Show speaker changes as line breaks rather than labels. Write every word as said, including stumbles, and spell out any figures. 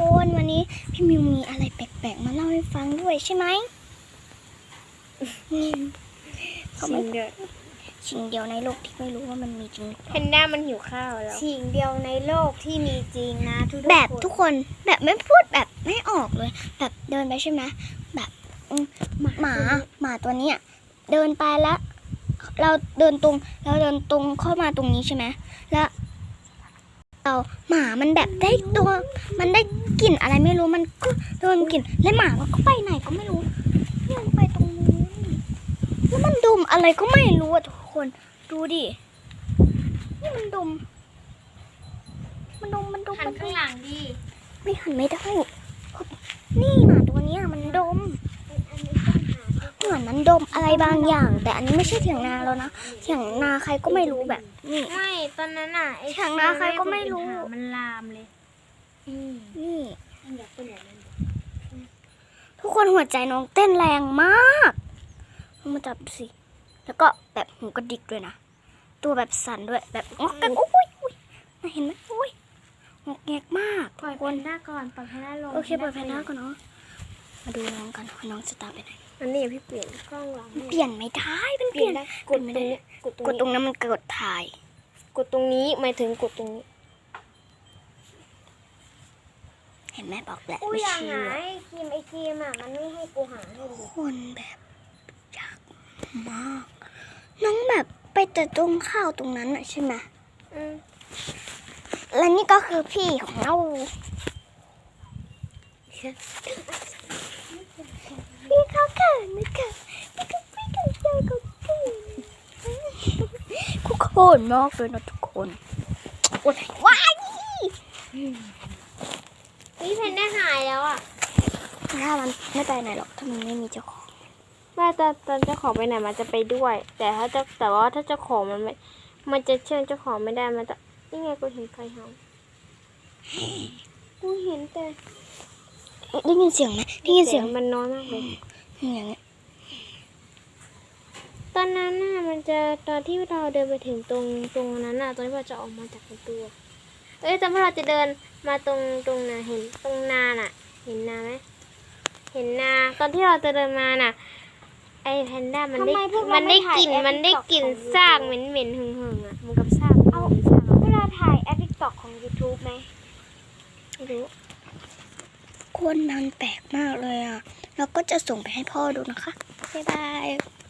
คนวันนี้พี่มิวมีอะไรแปลกๆมาเล่าให้ฟังด้วยใช่ไหม
สิ่งเดียว
สิ่งเดียวในโลกที่ไม่รู้ว่ามันมีจริง
แพนด้ามันหิวข้าวแล้ว
สิ่งเดียวในโลกที่มีจริงนะทุกๆ
แบบ
คน
ทุกคนแบบไม่พูดแบบไม่ออกเลย แบบเดินไปใช่ไหมแบบอืมหมาหมาตัวเนี้ยเดินไปแล้ว เราเดินตรงเราเดินตรงเข้ามาตรงนี้ใช่ไหมแล้วเราหมามันแบบได้ตัวมันได้กลิ่นอะไรไม่รู้มันก็โดนกลิ่นแล้วหมามันก็ไปไหนก็ไม่รู้เนี่ยมันไปตรงนู้นแล้วมันดมอะไรก็ไม่รู้อะทุกคนดูดินี่มันดมมันดมมันดม
หัน
มันด
ข้าง
ม
หลังดิ
ไม่หันไม่ได้ นี่หมาตัวเนี้ยมันดม เหมือนมันดมอะไรบางอย่าง แต่อันนี้ไม่ใช่เถียงนาแล้วนะเถียงนาใครก็ไม่รู้แบบนี่
ไม่ตอนนั้นอ่ะไอ้
แข่งนาใครก็ไม่รู้
มันลามเลยอืม
นี่
อยากไปไหนนั่น
ทุกคนหัวใจน้องเต้นแรงมากลองมาจับดูสิ แล้วก็แบบหูกระดิกด้วยนะ ตัวแบบสั่นด้วย แบบงอกกันอุ้ยอุ้ยน่าเห็นไหมอุ้ยงอกแงกมาก
ปล่อยแพนด้าก่อนปล่อยแพนด้าลง
โอเคปล่อยแพนด้าก่อนเนาะ มาดูน้องกันว่าน้องจะตามไปไหน
อันนี้พี่เปลี่ยนกล้องหลัง
เปลี่ยนไม่ได้มัน
เป
เป
ลี่
ลี่
ย
ย
น
น
ได้กด
ไม่
ตร
ได้
งนี้กดตรง
กด
นี้
ตรงนั้นมันกดถ่าย
กดตรงนี้หมายถึงกดตรงนี้
เห็นไหมบอกแหละ
กู
ไม่
อยาก
เชื่
หา
อ
ไอ้ครีมไอ้ครีมอ่ะมันไม่ให้กูหาให้ดู
คนแบบยากมาก น้องแบบไปแต่ตรงข้าวตรงนั้นอะใช่ไหม
อืม
และนี่ก็คือพี่ของเราพี่เขาเกิดไม่เกิดพี่ก็พี่ก็เจอก็เกิดทุกคนมากเลยนะทุกคนโอ้ยว้าย
พี่แพนด้าหายแล้วอ่ะ
ถ้ามันไม่ไปไหนหรอกถ้ามันไม่มีเจ้าของ
แม่ตอนตอนเจ้าของไปไหนมันจะไปด้วย แต่ถ้าเจ้าแต่ว่าถ้าเจ้าของมันไม่มันจะเชื่อเจ้าของไม่ได้มันจะนี่ไงกูเห็นใครเห่ากูเห็นแต่
ได้ยินเสียงไหมได้ยินเสียง
มันน้อยมากเลย
อย่างเงี้ย
ตอนนั้นน่ะมันจะตอนที่เราเดินไปถึงตรงตรงนั้นน่ะตอนที่เราจะออกมาจากประตูอะเอ้ยตอนที่เราจะเดินมาตรงตรงน่ะเห็นตรงนาน่ะ เห็นนาไหมเห็นนาตอนที่เราจะเดินมาน่ะ ไอ้แพนด้ามันได้มันได้กลิ่นมันได้กลิ่นซากเหม็นเหม็นๆหึงหึงๆอ่ะมันกับซากเอาซาก
เวลาถ่ายแอปติ๊กต็อกของ YouTube ไหม
ไม่รู้
คนมันแปลกมากเลยอ่ะ เราก็จะส่งไปให้พ่อดูนะคะ บ๊ายบาย